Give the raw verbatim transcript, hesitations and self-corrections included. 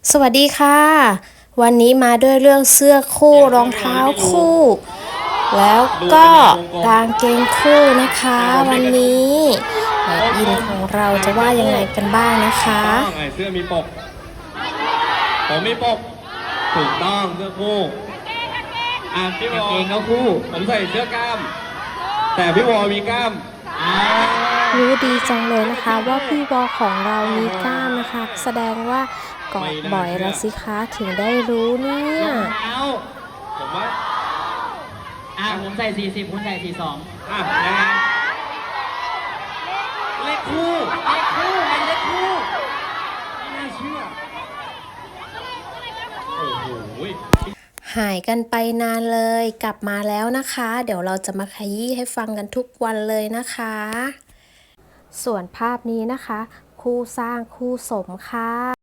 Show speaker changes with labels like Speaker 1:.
Speaker 1: สวัสดีค่ะวันนี้มาด้วยเรื่องเสื้อคู่รองเท้าคู่แล้วก็กางเกงคู่นะคะวันนี้แม่อินของเราจะว่ายังไงกันบ้างนะคะ
Speaker 2: ต้องไอ้เสื้อมีปกผมมีปกถูกต้องเสื้อคู่อ่ะพี่วอเองก็คู่ผมใส่เสื้อกล้ามแต่พี่วอมีกล้าม
Speaker 1: รู้ดีจังเลยนะคะว่าพี่วอของเรามีกล้ามนะคะแสดงว่าเกาะบ่อยละสิคะถึงได้รู้เนี่ย
Speaker 3: รองเท้า
Speaker 2: ผมว่า
Speaker 3: อ่าผมใส่สี่สิบคุณใส่สี่สอง
Speaker 2: อ่ะยังไงเลขคู่
Speaker 3: เลขคู่เป็นเลขคู่
Speaker 2: ไม่น่าเชื่อโอ้โห
Speaker 1: หายกันไปนานเลยกลับมาแล้วนะคะเดี๋ยวเราจะมาขยี้ให้ฟังกันทุกวันเลยนะคะส่วนภาพนี้นะคะคู่สร้างคู่สมค่ะ